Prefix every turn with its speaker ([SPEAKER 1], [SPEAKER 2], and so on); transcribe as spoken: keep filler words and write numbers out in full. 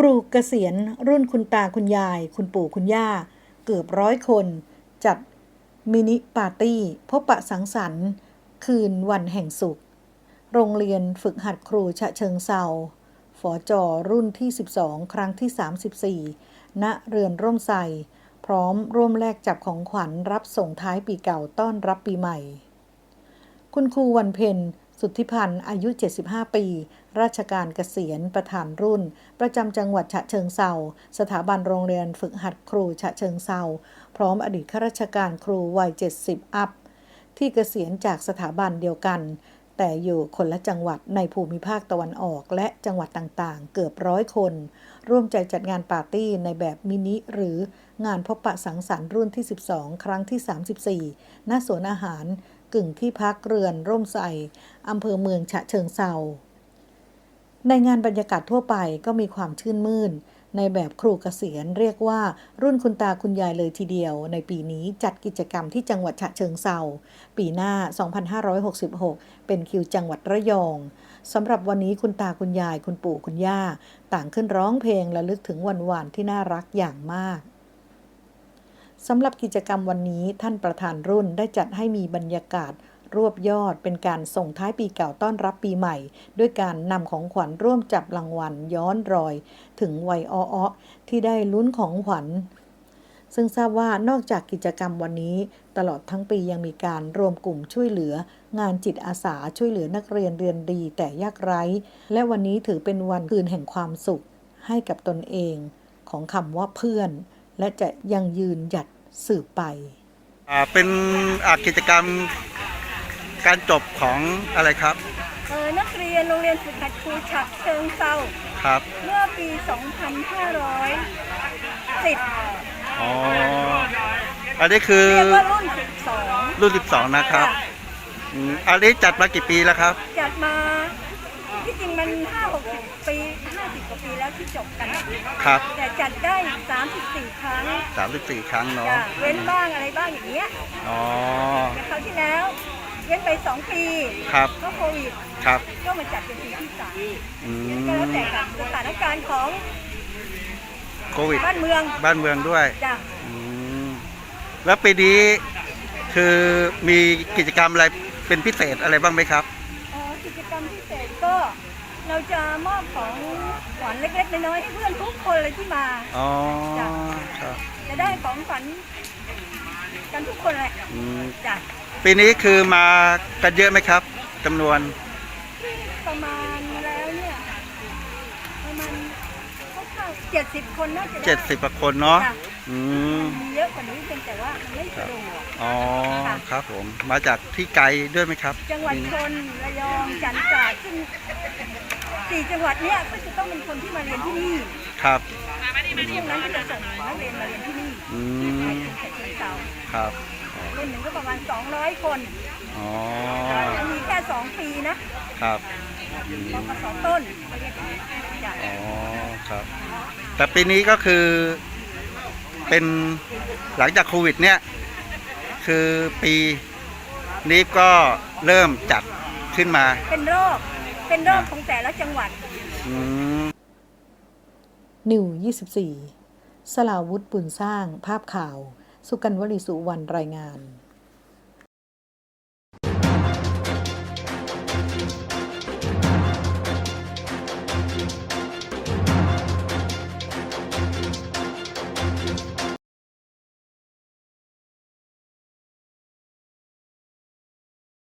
[SPEAKER 1] รูเกษียณรุ่นคุณตาคุณยายคุณปู่คุณย่าเกือบร้อยคนจัดมินิปาร์ตี้พบปะสังสรรค์คืนวันแห่งสุขโรงเรียนฝึกหัดครูฉะเชิงเทราฝจ.รุ่นที่สิบสองครั้งที่สามสิบสี่ณเรือนร่มไทรพร้อมร่วมแลกจับของขวัญรับส่งท้ายปีเก่าต้อนรับปีใหม่คุณครูวันเพ็ญสุทธิพันธ์อายุเจ็ดสิบห้าปีราชการเกษียณประธานรุ่นประจำจังหวัดฉะเชิงเทราสถาบันโรงเรียนฝึกหัดครูฉะเชิงเทราพร้อมอดีตข้าราชการครูวัยเจ็ดสิบอัพที่เกษียณจากสถาบันเดียวกันแต่อยู่คนละจังหวัดในภูมิภาคตะวันออกและจังหวัดต่างๆเกือบร้อยคนร่วมใจจัดงานปาร์ตี้ในแบบมินิหรืองานพบปะสังสรรค์รุ่นที่สิบสองครั้งที่สามสิบสี่ณสวนอาหารกึ่งที่พักเรือนร่มไทรอำเภอเมืองฉะเชิงเทราในงานบรรยากาศทั่วไปก็มีความชื่นมื่นในแบบครูเกษียณเรียกว่ารุ่นคุณตาคุณยายเลยทีเดียวในปีนี้จัดกิจกรรมที่จังหวัดฉะเชิงเทราปีหน้าสองพันห้าร้อยหกสิบหกเป็นคิวจังหวัดระยองสำหรับวันนี้คุณตาคุณยายคุณปู่คุณย่าต่างขึ้นร้องเพลงระลึกถึงวันวานที่น่ารักอย่างมากสำหรับกิจกรรมวันนี้ท่านประธานรุ่นได้จัดให้มีบรรยากาศรวบยอดเป็นการส่งท้ายปีเก่าต้อนรับปีใหม่ด้วยการนำของขวัญร่วมจับรางวัลย้อนรอยถึงวัยอ้อๆที่ได้ลุ้นของขวัญซึ่งทราบว่านอกจากกิจกรรมวันนี้ตลอดทั้งปียังมีการรวมกลุ่มช่วยเหลืองานจิตอาสาช่วยเหลือนักเรียนเรียนดีแต่ยากไร้และวันนี้ถือเป็นวันคืนแห่งความสุขให้กับตนเองของคำว่าเพื่อนและจะยังยืนหยัดสืบไป
[SPEAKER 2] อ่าเป็นกิจกรรมการจบของอะไรครับ
[SPEAKER 3] เออนักเรียนโรงเรียนฝึกหัดครูฉะเชิงเทรา
[SPEAKER 2] ครับ
[SPEAKER 3] เมื่อปี สองพันห้าร้อยสิบ
[SPEAKER 2] อ๋ออันนี้คือ
[SPEAKER 3] เรียกว่ารุ่นสิบสอง
[SPEAKER 2] รุ่นสิบสองนะครับอืมอันนี้จัดมากี่ปีแล้วครับ
[SPEAKER 3] จัดมาที่จริงมัน ห้าหกสิบ ปีห้าสิบกว่าปีแล้วที่จบกัน
[SPEAKER 2] ครับ
[SPEAKER 3] แต่จัดได้สามสิบสี่ครั้ง
[SPEAKER 2] สามสิบสี่ครั้งเนาะ
[SPEAKER 3] เว้นบ้างอะไรบ้างอย่างเงี้ย
[SPEAKER 2] อ๋อ
[SPEAKER 3] แต่คราวที่แล้วเว้นไปสองปี
[SPEAKER 2] ครับ
[SPEAKER 3] ก็โควิด
[SPEAKER 2] ครับ
[SPEAKER 3] ก็มาจัดเป็นปีที่สาม
[SPEAKER 2] อืม
[SPEAKER 3] ก็แล้วแต่สถานการณ์ของ
[SPEAKER 2] โควิด
[SPEAKER 3] บ้านเมือง
[SPEAKER 2] บ้านเมืองด้วย
[SPEAKER 3] จ้ะ
[SPEAKER 2] อืมแล้วปีนี้คือมีกิจกรรมอะไรเป็นพิเศษอะไรบ้างไหมครับ
[SPEAKER 3] อ๋อกิจกรรมพิเศษก็เราจะมอบของขวัญเล็กๆน้อยๆให้เพื่อนทุกคนเลยที่มา
[SPEAKER 2] อ๋อครับ
[SPEAKER 3] จะได้ของขวัญกันทุกคนแหละจ้ะ
[SPEAKER 2] ปีนี้คือมากันเยอะไหมครับจำนวน
[SPEAKER 3] ประมาณแล้วเนี่ยประมาณเจ็ดสิบคนน่าจะ
[SPEAKER 2] เจ็ดสิบกว่าคนเนาะ
[SPEAKER 3] อืมมีเยอะกว่านี้เพียงแต่ว่ามันไม่สะดวก
[SPEAKER 2] อ๋อครับผมมาจากที่ไกลด้วยไหมครับ
[SPEAKER 3] จังหวัดชลระยองจันทร์ตราดซึ่งสี่จังหวัดเนี้ยก็จะต้องเป็นคนที่มาเรียนที่นี่
[SPEAKER 2] ครับ
[SPEAKER 3] ช่วงนั้นก็จะส่งนักเรียนมาเรียนที่นี่
[SPEAKER 2] อืมครับ
[SPEAKER 3] รุ่นหนึ่งก็ประมาณสองร้อยคน
[SPEAKER 2] อ๋อ
[SPEAKER 3] มีแค่สองปีนะครับปกสต้น
[SPEAKER 2] อ๋อครับแต่ปีนี้ก็คือเป็นหลังจากโควิดเนี่ยคือปีนี้ก็เริ่มจัดขึ้นมา
[SPEAKER 3] เป็นรอบเป็นรอบของแต่ละจังหวัด
[SPEAKER 1] นิวยี่สิบสี่สลาวุธ บุญสร้างภาพข่าวสุกัญญ์ วลีสุวรรณรายงาน